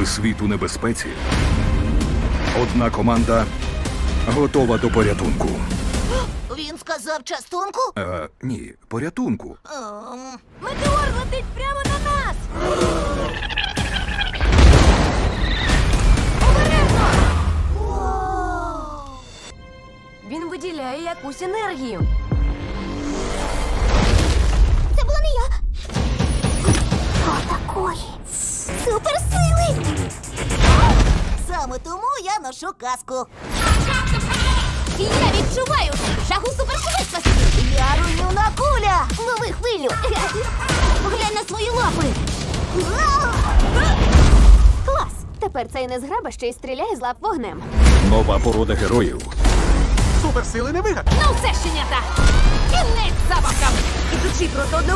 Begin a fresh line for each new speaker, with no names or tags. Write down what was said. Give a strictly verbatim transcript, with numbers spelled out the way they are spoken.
світ у небезпеці, одна команда готова до порятунку.
Він сказав частунку?
Е, ні, порятунку.
Ем,
Метеор летить прямо на нас! Обережно! Він виділяє якусь енергію.
Це була не я. Отакої суперсили. Саме тому я ношу каску.
Я відчуваю жагу супершвидкості!
Я руйнівна куля. Лови хвилю.
Поглянь на свої лапи!
Клас! Тепер цей незграба ще й стріляє з лап вогнем.
Нова порода героїв.
Суперсили не вигад.
Ну все, щенята! Кінець забавкам! Ідучи проти одного